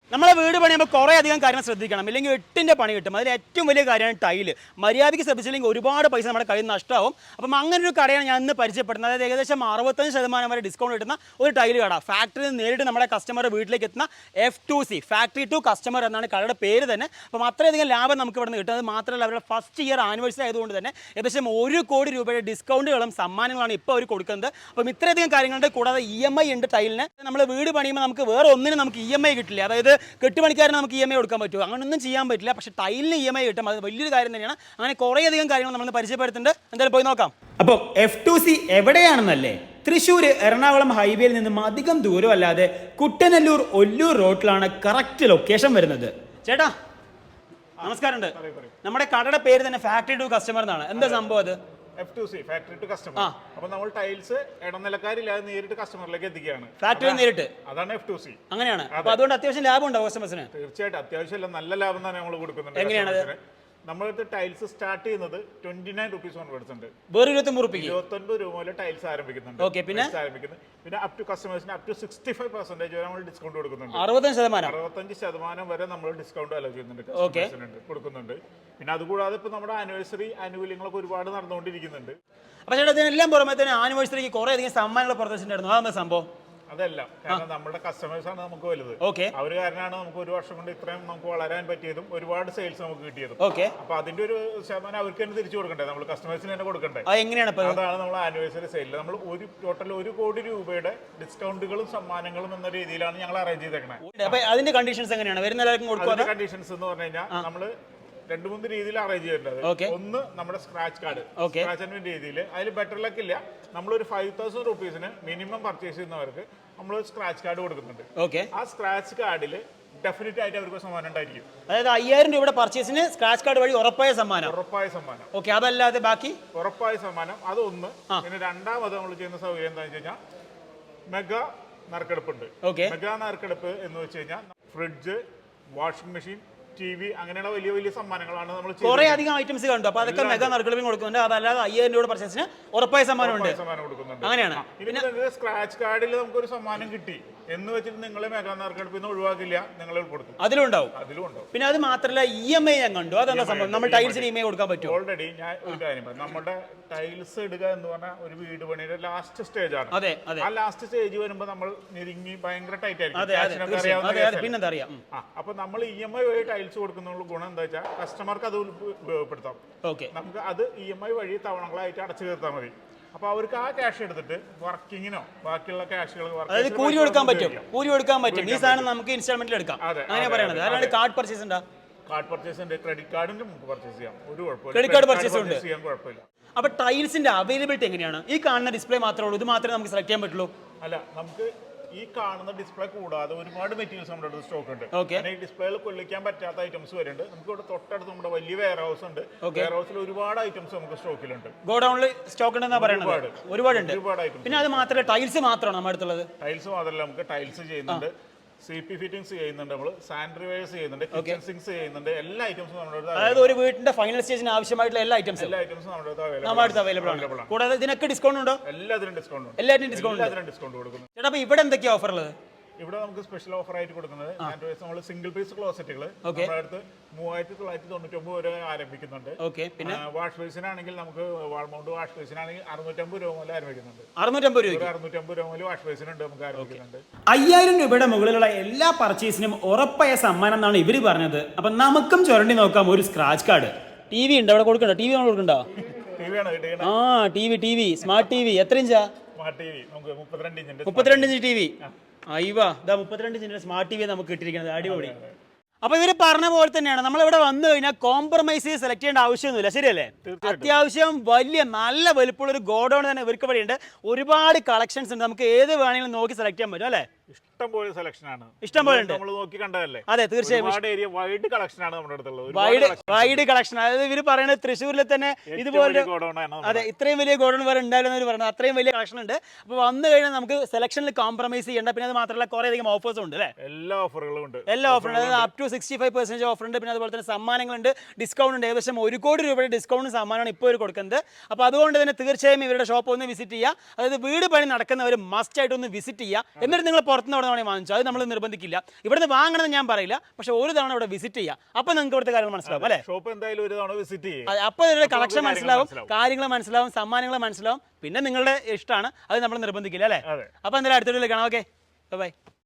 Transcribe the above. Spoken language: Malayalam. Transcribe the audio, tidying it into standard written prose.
നമ്മളെ വീട് പണിയുമ്പോൾ കുറേ അധികം കാര്യങ്ങൾ ശ്രദ്ധിക്കണം, ഇല്ലെങ്കിൽ എട്ടിൻ്റെ പണി കിട്ടും. അതിൽ ഏറ്റവും വലിയ കാര്യമാണ് ടൈല്. മര്യാദയ്ക്ക് ശ്രദ്ധിച്ചില്ലെങ്കിൽ ഒരുപാട് പൈസ നമ്മുടെ കയ്യിൽ നിന്ന് നഷ്ടമാവും. അപ്പം അങ്ങനെ ഒരു കടയാണ് ഞാൻ ഇന്ന് പരിചയപ്പെടുന്നത്. അതായത് ഏകദേശം 65% വരെ ഡിസ്കൗണ്ട് കിട്ടുന്ന ഒരു ടൈല് കട. ഫാക്ടറിയിൽ നിന്ന് നേരിട്ട് നമ്മുടെ കസ്റ്റമറുടെ വീട്ടിലേക്ക് എത്തുന്ന F2C ഫാക്ടറി ടു കസ്റ്റമർ എന്നാണ് കടയുടെ പേര് തന്നെ. അപ്പം അത്രയധികം ലാഭം നമുക്ക് ഇവിടെ നിന്ന് കിട്ടുന്നത് മാത്രമല്ല, അവരുടെ ഫസ്റ്റ് ഇയർ ആനിവേഴ്സറി ആയതുകൊണ്ട് തന്നെ ഏകദേശം 1 കോടി രൂപയുടെ ഡിസ്കൗണ്ടുകളും സമ്മാനങ്ങളാണ് ഇപ്പോൾ അവർ കൊടുക്കുന്നത്. അപ്പം ഇത്രയധികം കാര്യങ്ങളുണ്ട്. കൂടാതെ EMI ഉണ്ട് ടൈലിന്. നമ്മൾ വീട് പണിയുമ്പോൾ നമുക്ക് വേറെ ഒന്നിനും നമുക്ക് EMI കിട്ടില്ല. അതായത് കെട്ടുപണിക്കാരന് നമുക്ക് EMI കൊടുക്കാൻ പറ്റുമോ? അങ്ങനെയൊന്നും ചെയ്യാൻ പറ്റില്ല. പക്ഷേ ടൈലിന് EMI കിട്ടും. അത് വലിയൊരു കാര്യം തന്നെയാണ്. അങ്ങനെ കുറേയധികം കാര്യങ്ങൾ നമ്മൾ പരിചയപ്പെടുത്തുന്നുണ്ട്. എന്തായാലും പോയി നോക്കാം. അപ്പോൾ F2C എവിടെയാണെന്നല്ലേ? തൃശ്ശൂർ എറണാകുളം ഹൈവേയിൽ നിന്നും അധികം ദൂരമല്ലാതെ കുട്ടനല്ലൂർ ഒല്ലൂർ റോഡിലാണ് കറക്റ്റ് ലൊക്കേഷൻ വരുന്നത്. ചേട്ടാ നമസ്കാരമുണ്ട്. നമ്മുടെ കടയുടെ പേര് തന്നെ ഫാക്ടറി ടു കസ്റ്റമർ എന്നാണ്. എന്താ സംഭവം അത്? F2C factory to customer. അപ്പോൾ നമ്മൾ ടൈൽസ് ഇടനിലക്കാരില്ലാതെ നേരിട്ട് കസ്റ്റമറിലേക്ക് എത്തിക്കുകയാണ്. ഫാക്ടറി നേരിട്ട്. അതാണ് F2C. അങ്ങനെയാണ്. അപ്പോൾ അതുകൊണ്ട് അത്യാവശ്യം ലാഭം ഉണ്ടാവും കസ്റ്റമേഴ്സിന്. തീർച്ചയായിട്ടും അത്യാവശ്യം നല്ല ലാഭം തന്നെ നമ്മൾ കൊടുക്കുന്നുണ്ട്. എങ്ങനെയാണ് നമ്മളടുത്ത് ടൈൽസ് സ്റ്റാർട്ട് ചെയ്യുന്നത് 29 rupees ഓൺവേർഡ്സ് ഉണ്ട്. വേറെ 29 രൂപ മുതൽ ടൈൽസ് ആരംഭിക്കുന്നുണ്ട്. പിന്നെ അപ് ടു കസ്റ്റമേഴ്സിന് അപ് ടു 65% വരെ നമ്മൾ ഡിസ്കൗണ്ട് കൊടുക്കുന്നുണ്ട്. 65% വരെ നമ്മൾ ഡിസ്കൗണ്ട് അലോ ചെയ്യുന്നുണ്ട്, കൊടുക്കുന്നുണ്ട്. പിന്നെ അതുകൂടാതെ ഇപ്പൊ നമ്മുടെ ആനിവേഴ്സറി ആനുകൂല്യങ്ങളൊക്കെ ഒരുപാട് നടന്നുകൊണ്ടിരിക്കുന്നുണ്ട്. അപ്പൊ ചേട്ടാ ഇതിനെല്ലാം പുറമെ തന്നെ ആനിവേഴ്സറിക്ക് കുറെ അധികം സമ്മാനങ്ങൾ പുറത്തുവച്ചിട്ടുണ്ടായിരുന്നു. അതെന്താ സംഭവം? അതല്ല, കാരണം നമ്മുടെ കസ്റ്റമേഴ്സ് ആണ് നമുക്ക് വലുത്. അവർ കാരണമാണ് നമുക്ക് 1 വർഷം കൊണ്ട് ഇത്രയും നമുക്ക് വളരാൻ പറ്റിയതും ഒരുപാട് സെയിൽസ് നമുക്ക് കിട്ടിയതും. അപ്പൊ അതിന്റെ ഒരു ശതമാനം അവർക്ക് തന്നെ തിരിച്ചു കൊടുക്കണ്ടേ, നമ്മൾ കസ്റ്റമേഴ്സിന് തന്നെ കൊടുക്കണ്ടേ? എങ്ങനെയാണ്? അതാണ് നമ്മൾ ആനിവേഴ്സറി സെയിൽ. നമ്മൾ ടോട്ടൽ 1 കോടി രൂപയുടെ ഡിസ്കൗണ്ടുകളും സമ്മാനങ്ങളും എന്ന രീതിയിലാണ് ഞങ്ങൾ അറേഞ്ച് ചെയ്തേക്കുന്നത്. അതിന്റെ കണ്ടീഷൻസ് എങ്ങനെയാണ്? വരുന്ന എല്ലാവർക്കും കൊടുക്കുക. കണ്ടീഷൻസ് എന്ന് പറഞ്ഞു കഴിഞ്ഞാൽ നമ്മള് 2-3 രീതിയിൽ അറേഞ്ച് ചെയ്തിട്ടുണ്ട്. ഒന്ന് നമ്മുടെ സ്ക്രാച്ച് കാർഡ്, സ്ക്രാച്ച് രീതിയിൽ. അതിൽ ബെറ്റർ ലക്ക് ഇല്ല, നമ്മളൊരു 5,000 rupeesന് മിനിമം പർച്ചേസ് ചെയ്യുന്നവർക്ക് നമ്മൾ സ്ക്രാച്ച് കാർഡ് കൊടുക്കുന്നുണ്ട്. ആ സ്ക്രാച്ച് കാർഡിൽ ഡെഫിനറ്റ് ആയിട്ട് അവർക്ക് സമ്മാനം ഉണ്ടായിരിക്കും. അതായത് 5,000 രൂപയുടെ പർച്ചേസിന് സ്ക്രാച്ച് കാർഡ് വഴി ഉറപ്പായ സമ്മാനം. അതല്ലാതെ ബാക്കി ഉറപ്പായ സമ്മാനം അതൊന്ന്. പിന്നെ രണ്ടാമത് നമ്മൾ ചെയ്യുന്ന സൗകര്യം എന്താണെന്ന് വെച്ച് കഴിഞ്ഞാൽ മെഗാ നറുക്കെടുപ്പുണ്ട്. മെഗാ നറുക്കെടുപ്പ് എന്ന് വെച്ച് കഴിഞ്ഞാൽ ഫ്രിഡ്ജ്, വാഷിംഗ് മെഷീൻ, TV അങ്ങനെയുള്ള വലിയ വലിയ സമ്മാനങ്ങളാണ് നമ്മൾ കുറെ അധികം ഐറ്റംസ് കണ്ടു. അപ്പൊ അതൊക്കെ മെഗാ നറുക്കെടുപ്പിന് കൊടുക്കുന്നുണ്ട്. അതല്ലാതെ 5,000 രൂപയുടെ പർച്ചേസിന് ഉറപ്പായ സമ്മാനം കൊടുക്കുന്നുണ്ട്. അങ്ങനെയാണ്. പിന്നെ സ്ക്രാച്ച് കാർഡിൽ നമുക്കൊരു സമ്മാനം കിട്ടി എന്ന് വെച്ചിട്ട് നിങ്ങളെ മെഗാ നറുക്കെടുപ്പിൽ നിന്ന് ഒഴിവാക്കില്ല, നിങ്ങൾ ഉൾപ്പെടുത്തും. അതിലുണ്ടാവും. പിന്നെ അത് മാത്രമല്ല EMI ഞാൻ കണ്ടു. അതെന്താ സംഭവം? നമ്മൾ ടൈൽസിന് EMI കൊടുക്കാൻ പറ്റും. ഓൾറെഡി ഞാൻ ഒരു കാര്യം പറയാം, നമ്മുടെ ടൈൽസ് ഇടുക എന്ന് പറഞ്ഞാൽ ഒരു വീട് പണിയുടെ ലാസ്റ്റ് സ്റ്റേജ് ആണ്. ആ ലാസ്റ്റ് സ്റ്റേജ് വരുമ്പോൾ നമ്മൾ ഞെരുങ്ങി ഭയങ്കര ടൈറ്റ് ആയിരിക്കും. അപ്പൊ നമ്മൾ EMI വഴി ടൈൽസ് കൊടുക്കുന്ന ഗുണം എന്താ വെച്ചാൽ കസ്റ്റമർക്ക് അത് ഉപയോഗപ്പെടുത്താം. നമുക്ക് അത് EMI വഴി തവണകളായിട്ട് അടച്ചു തീർത്താൽ മതി. അപ്പൊ അവർക്ക് ആ ക്യാഷ് എടുത്തിട്ട് വർക്കിങ്ങിനോ ബാക്കിയുള്ള ക്യാഷുകൾ കൂലി കൊടുക്കാൻ പറ്റും. ഈ സാധനം നമുക്ക് ഇൻസ്റ്റാൾമെന്റിൽ എടുക്കാം. അങ്ങനെ പറയണത്. അല്ലാണ്ട് കാർഡ് പർച്ചേസ് ഉണ്ടോ? കാർഡ് പർച്ചേസ് ഉണ്ട്, ക്രെഡിറ്റ് കാർഡിന്റെ നമുക്ക് പർച്ചേസ് ചെയ്യാം. ഒരു കുഴപ്പമില്ല. ക്രെഡിറ്റ് കാർഡ് പർച്ചേസ് ഉണ്ട്, ചെയ്യാൻ കുഴപ്പമില്ല. അപ്പൊ ടൈൽസിന്റെ അവൈലബിലിറ്റി എങ്ങനെയാണ്? ഈ കാണുന്ന ഡിസ്പ്ലേ മാത്രമേ ഉള്ളൂ? ഇത് മാത്രമേ നമുക്ക് സെലക്ട് ചെയ്യാൻ പറ്റുള്ളൂ? അല്ല, നമുക്ക് ഈ കാണുന്ന ഡിസ്പ്ലേ കൂടാതെ ഒരുപാട് മെറ്റീരിയൽസ് നമ്മുടെ അടുത്ത് സ്റ്റോക്ക് ഉണ്ട്. ഈ ഡിസ്പ്ലേയിൽ കൊള്ളിക്കാൻ പറ്റാത്ത ഐറ്റംസ് വരുന്നുണ്ട്. നമുക്ക് ഇവിടെ തൊട്ടടുത്ത് നമ്മുടെ വലിയ വെയർ ഹൗസ് ഉണ്ട്. വെയർ ഹൗസിൽ ഒരുപാട് ഐറ്റംസ് നമുക്ക് സ്റ്റോക്കിലുണ്ട്. ഗോഡൌണിൽ സ്റ്റോക്ക് ഉണ്ടെന്നാ പറയുന്നത്. ഒരുപാട് ഐറ്റംസ്. പിന്നെ അത് മാത്രമല്ല, ടൈൽസ് മാത്രമാണ് നമ്മുടെ അടുത്തുള്ളത്? ടൈൽസ് മാത്രമല്ല, നമുക്ക് ടൈൽസ് ചെയ്യുന്നുണ്ട്, CP ഫിറ്റിംഗ്സ് ചെയ്യുന്നുണ്ട്, നമ്മൾ സാനിറ്റൈസേഴ്സ് ചെയ്യുന്നുണ്ട്, കിച്ചൺ സിങ്ക്സ് ചെയ്യുന്നുണ്ട്. എല്ലാ ഐറ്റംസും നമ്മുടെ അടുത്ത്. അതായത് ഒരു വീടിന്റെ ഫൈനൽ സ്റ്റേജിന് ആവശ്യമായിട്ടുള്ള എല്ലാ ഐറ്റംസും നമ്മുടെ അടുത്ത് അവൈലബിൾ ആണ്. കൂടാതെ ഇതിനൊക്കെ ഡിസ്കൗണ്ട് ഉണ്ടോ? എല്ലാത്തിനും ഡിസ്കൗണ്ട് കൊടുക്കുന്നു. ചേട്ടാ, അപ്പൊ ഇവിടെ എന്തൊക്കെയാ ഓഫർ ഉള്ളത്? ഇവിടെ നമുക്ക് സ്പെഷ്യൽ ഓഫർ ആയിട്ട് കൊടുക്കുന്നത് നമ്മൾ സിംഗിൾ പീസ് ക്ലോസറ്റുകൾ നമ്മുടെ അടുത്ത് 3,999 വരെ ആരംഭിക്കുന്നുണ്ട്. പിന്നെ വാഷ് ബേസിനാണെങ്കിൽ നമുക്ക് വാൾ മൗണ്ട് വാഷ് ബേസിനാണെങ്കിൽ 650 രൂപ മുതൽ ആരംഭിക്കുന്നുണ്ട്. 650 രൂപ മുതൽ വാഷ് ബേസിനുണ്ട് നമുക്ക് ആരംഭിക്കുന്നുണ്ട്. 5,000 രൂപയുടെ മുകളിലുള്ള എല്ലാ പർച്ചേസിനും ഉറപ്പായ സമ്മാനം എന്നാണ് ഇവര് പറഞ്ഞത്. അപ്പൊ നമുക്കും ചുരണ്ടി നോക്കാം ഒരു സ്ക്രാച്ച് കാർഡ്. TV ഉണ്ട് അവിടെ കൊടുക്കണ്ടോ? TV നമ്മൾ കൊടുക്കണ്ടോ? TV സ്മാർട്ട് TV എത്ര ഇഞ്ചാ? സ്മാർട്ട് TV നമുക്ക് 32 ഇഞ്ച് TV. അയ്യവാ, 32 ഇഞ്ചിന്റെ സ്മാർട്ട് TV നമുക്ക് കിട്ടിയിരിക്കുന്നത്. അടിപൊളി. അപ്പൊ ഇവര് പറഞ്ഞ പോലെ തന്നെയാണ്, നമ്മളിവിടെ വന്നു കഴിഞ്ഞാൽ കോംപ്രമൈസ് സെലക്ട് ചെയ്യേണ്ട ആവശ്യമൊന്നുമില്ല. ശരിയല്ലേ? അത്യാവശ്യം വലിയ നല്ല വലുപ്പമുള്ള ഒരു ഗോഡൌൺ തന്നെ ഇവർക്ക് വഴിയുണ്ട്. ഒരുപാട് കളക്ഷൻസ് ഉണ്ട്. നമുക്ക് ഏത് വേണമെങ്കിലും നോക്കി സെലക്ട് ചെയ്യാൻ പറ്റും അല്ലേ? ഇഷ്ടംപോലെ സെലക്ഷൻ ആണ്. ഇഷ്ടംപോലെ ഉണ്ട്. നമ്മൾ നോക്കി കണ്ടതല്ലേ? അതെ, തീർച്ചയായും. വൈഡ് കളക്ഷൻ ആണ് നമ്മുടെ അടുത്തുള്ളത്. Wide collection. അതായത് ഇവര് പറയുന്നത് തൃശ്ശൂരിൽ തന്നെ ഇതുപോലെ ഇത്രയും വലിയ ഗോഡൌൺ വരെ ഉണ്ടായിരുന്നു പറയുന്നത്. അത്രയും വലിയ കളക്ഷൻ ഉണ്ട്. അപ്പൊ വന്നു കഴിഞ്ഞാൽ നമുക്ക് സെലക്ഷനിൽ കോംപ്രമൈസ് ചെയ്യേണ്ട. പിന്നെ അത് മാത്രമല്ല, കുറെ അധികം ഓഫേഴ്സും ഉണ്ട് അല്ലേ? എല്ലാ ഓഫറുകളും ഉണ്ട്. അതായത് അപ് ടു 65% ഓഫർ ഉണ്ട്. പിന്നെ അതുപോലെ തന്നെ സമ്മാനങ്ങളുണ്ട്, ഡിസ്കൗണ്ട് ഉണ്ട്. ഏകദേശം 1 കോടി രൂപയുടെ ഡിസ്കൗണ്ട് സമ്മാനമാണ് ഇപ്പോൾ ഇവർ കൊടുക്കുന്നത്. അപ്പോൾ അതുകൊണ്ട് തന്നെ തീർച്ചയായും ഇവരുടെ ഷോപ്പ് ഒന്ന് വിസിറ്റ് ചെയ്യുക. അതായത് വീട് പണി നടക്കുന്നവർ മസ്റ്റ് ആയിട്ട് ഒന്ന് വിസിറ്റ് ചെയ്യുക. എന്നിട്ട് നിങ്ങൾ പുറത്തുനിന്ന് തവണ വാങ്ങിച്ചു, അത് നമ്മൾ നിർബന്ധിക്കില്ല. ഇവിടുന്ന് വാങ്ങണമെന്ന് ഞാൻ പറയില്ല, പക്ഷെ ഒരു തവണ ഇവിടെ വിസിറ്റ് ചെയ്യാം, അപ്പൊ നിങ്ങൾക്ക് ഇവിടുത്തെ കാര്യങ്ങൾ മനസ്സിലാവും അല്ലേ. ഷോപ്പ് എന്തായാലും ഒരു തവണ വിസിറ്റ് ചെയ്യും, അപ്പൊ ഇതിന്റെ കളക്ഷൻ മനസ്സിലാവും, കാര്യങ്ങൾ മനസ്സിലാവും, സമ്മാനങ്ങൾ മനസ്സിലാവും. പിന്നെ നിങ്ങളുടെ ഇഷ്ടമാണ്, അത് നമ്മൾ നിർബന്ധിക്കില്ല അല്ലേ. അപ്പൊ എന്തായാലും അടുത്ത വീഡിയോയിൽ കാണാം. Okay, by.